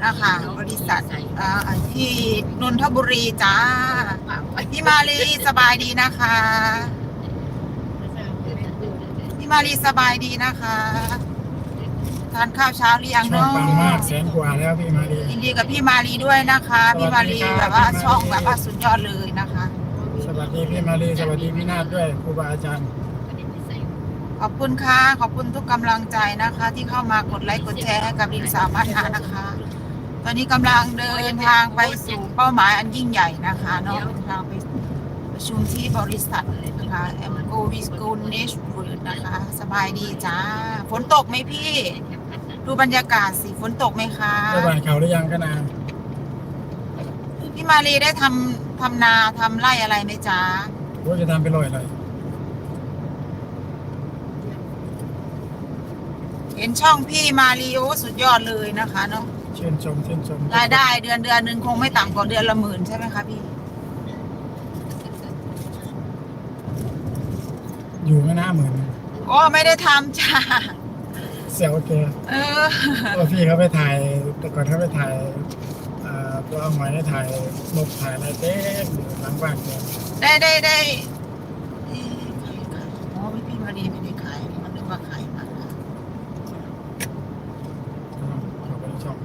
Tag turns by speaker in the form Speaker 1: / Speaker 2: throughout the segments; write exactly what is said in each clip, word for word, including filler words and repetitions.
Speaker 1: นะคะบริษัทอ่าที่นนทบุรีจ้าพี่มาลีสบายดีนะคะพี่มาลีสบายดีนะคะทานข้าวเช้าหรือยัง
Speaker 2: ช่อง
Speaker 1: เนาะ
Speaker 2: ปังมากแสนกว่าแล้วพี่มาดี
Speaker 1: ยินดีกับพี่มาลีด้วยนะคะพี่มาลีแบบว่าช่องแบบว่าสุดยอดเลยนะคะ
Speaker 2: สวัสดีพี่มาดีสวัสดีพี่นาฏด้วยครูบาอาจารย์
Speaker 1: ขอบคุณค่ะขอบคุณทุกกำลังใจนะคะ ที่เข้ามากดไลค์กดแชร์ให้กับลินสามารถหานะคะ ตอนนี้กำลังเดินทางไปสู่เป้าหมายอันยิ่งใหญ่นะคะเนาะเดินทางไปประชุมที่บริษัทนะคะแอมโกวิสโกเนชเวิร์ดนะคะ สบายดีจ้าฝนตกไหมพี่ ดูบรรยากาศสิฝนตกไหมคะ
Speaker 2: ได้บ้านเขาหรือยังก็นาน
Speaker 1: พี่มาลีได้ทำทำนาทำไร่อะไรไหมจ๊ะ
Speaker 2: ว่าจะทำไปลอยอะไร
Speaker 1: เห็นช่องพี่มาลีโอสุดยอดเลยนะคะเนาะ
Speaker 2: ชื่นชมชื่นชม
Speaker 1: รายได้เดือนเดือนหนึ่งคงไม่ต่ำกว่าเดือนละหมื่นใช่ไหมคะพี่
Speaker 2: อยู่ไม่น่าเหมือน
Speaker 1: โอ้ไม่ได้ทำจ้า
Speaker 2: เซลเก
Speaker 1: เออ
Speaker 2: ตัวพี่เขาไปถ่ายแต่ก่อนเขาไปถ่ายอ่าตัวเอาหมายได้ถ่ายนกถ่ายอะไรเต็มอยู่หลังบ้านเนี่ย
Speaker 1: ได้ได้ได้เอ๊ะขายขายอ๋อพี่มาลีไม่ได้ขายมันนึกว่าขายมา
Speaker 2: เขาไปในช่อง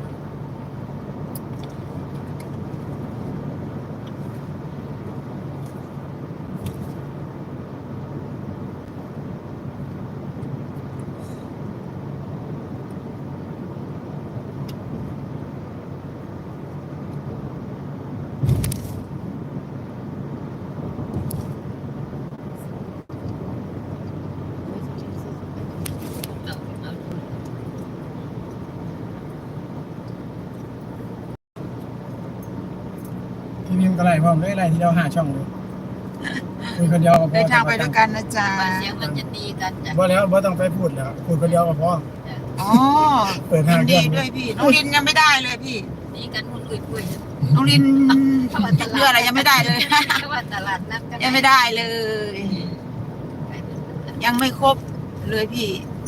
Speaker 2: ที่นี่มันก็ไล่พร้อมด้วยไล่ที่เราหาช่องเลยคุยคนเดียวก็พอ
Speaker 1: เดินทางไปด้วยกันนะจ๊ะ
Speaker 3: เสียงมันจะตีกันจ้ะ
Speaker 2: พอแล้วพอต้องไปพูดแล้วพูดคนเดียวก็พอ
Speaker 1: อ๋อ
Speaker 2: เปิด
Speaker 1: ยิ
Speaker 2: ห้าง
Speaker 1: น
Speaker 2: เครื่
Speaker 1: ดี
Speaker 2: อง
Speaker 1: ด้วยพี่น้องลินยังไม่ได้เลยพี่
Speaker 3: ตีกันคนคุยคุย
Speaker 1: น้องลินติดเรืออะไรยังไม่ได้เลย
Speaker 3: เพราะว่าตลาดนัดกัน
Speaker 1: ยังไม่ได้เลย ยังไม่ครบเลยพี่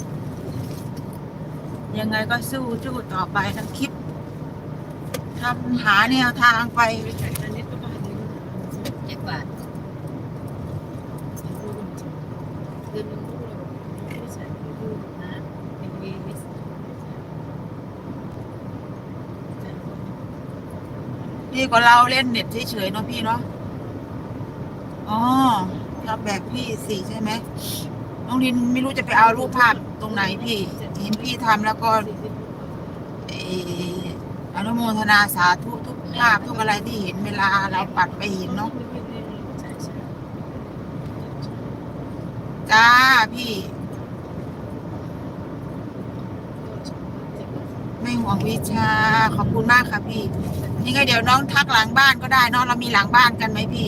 Speaker 1: ยังไงก็สู้สู้ต่อไปทั้งคลิปทำหาแนวทางไป
Speaker 3: เจ็ดบาท
Speaker 1: ดีกว่าเราเล่นเน็ตเฉยๆเนาะพี่เนาะ อ๋อทำแบบพี่สิใช่ไหมน้องลินไม่รู้จะไปเอารูปภาพตรงไหนพี่ เห็นพี่ทำแล้วก็เอออนุโมทนาสาธุทุกภาพทุกอะไรที่เห็นเวลาเราปัดไปเห็นเนาะ จ้าพี่ ไม่ห่วงวิชาขอบคุณมากค่ะพี่นี่ไงเดี๋ยวน้องทักหลังบ้านก็ได้เนาะเรามีหลังบ้านกันไหมพี่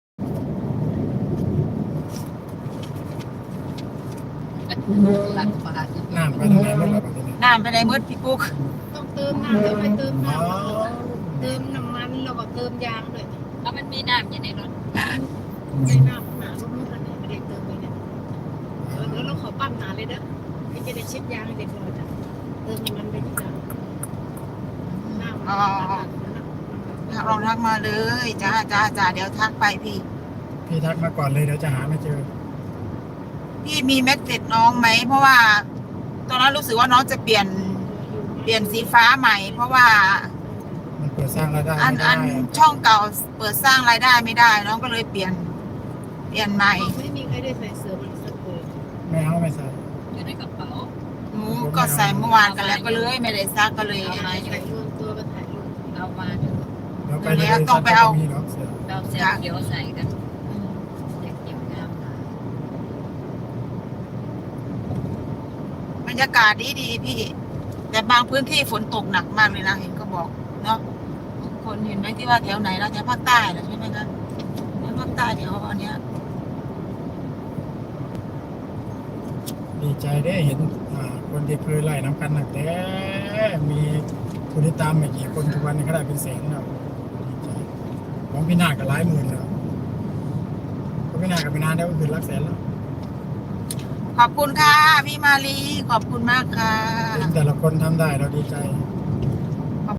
Speaker 3: หลักบาท
Speaker 2: น้ำไปทางไหนหมดแล้วแบบนี้
Speaker 1: น้ำไปในมืดพี่ปุ๊ก
Speaker 4: ต้องเติมน้ำแล้วไปเติม
Speaker 2: อ๋อ
Speaker 4: น้ำเติมน้ำมันแล้วก็เติมยางด้วย
Speaker 3: แล้วมันมีน้ำอยู่ในรถ
Speaker 4: ใช้น้ำหนาสมมติอันนี้ไม่ได้เติมเลยเนี่ยแล้วเราขอปั้นหนาเลยเด้อไม่จะได้เช็ดยางให้เด็กเลยจ้ะเติมน้ำมันไปที่จ้ะน้ำ
Speaker 1: อ๋อลองทักมาเลยจ้าจ้าจ้าเดี๋ยวทักไปพี่
Speaker 2: พี่ทักมาก่อนเลยเดี๋ยวจะหาไม่เจอ
Speaker 1: พี่มีเม็ดเสร็จน้องไหมเพราะว่า ตอนนั้นรู้สึกว่าน้องจะเปลี่ยนเปลี่ยนสีฟ้าใหม่ เพราะว่า
Speaker 2: มันเปิดสร้างรายได้
Speaker 1: อัน
Speaker 2: ไม่
Speaker 1: อั
Speaker 2: ได้
Speaker 1: นช่องเก่าเปิดสร้างรายได้ไม่ได้ น้องก็เลยเปลี่ยน เปลี่ยนใหม่
Speaker 4: ไม่มีใครได้ใส่เสื้อบริษัทเลย
Speaker 2: ไม่เอาไม่ใส่
Speaker 3: อยู่ในกระเป๋า
Speaker 1: หนูก็ใส่เมื่อวานกันแล้วก็เลยไม่ได้ซักก็เลย
Speaker 4: ถ่ายรวมตัวกันถ่ายรูป
Speaker 3: เอามา
Speaker 2: เดี๋ยวไปที่บริษัทก็มีหรอกเสือ
Speaker 3: เราเสียเขียวใส่กันเด็กเขียวงาม
Speaker 1: บรรยากาศดีดีพี่ แต่บางพื้นที่ฝนตกหนักมากเลยนะเห็นก็บอกเนาะคนเห็นไหมที่ว่าแถวไหนแล้วแถวภาคใต้เหรอใช่ไหมคะแถวภาคใต้แถวอันเนี้ย
Speaker 2: ดีใจได้เห็นอ่าคนที่เคยไล่น้ำกันหนักแต่มีผู้ติดตามไม่กี่คนทุกวันนี้ก็ได้เป็นแสนแล้วดีใจของพี่นาคก็หลายหมื่นแล้วของพี่นาคกับพี่นาได้ก็คือหลักแสนแล้ว
Speaker 1: ขอบคุณค่ะพี่มาลีขอบคุณมากค่ะ
Speaker 2: แต่ละคนทำได้เราดีใจ
Speaker 1: ค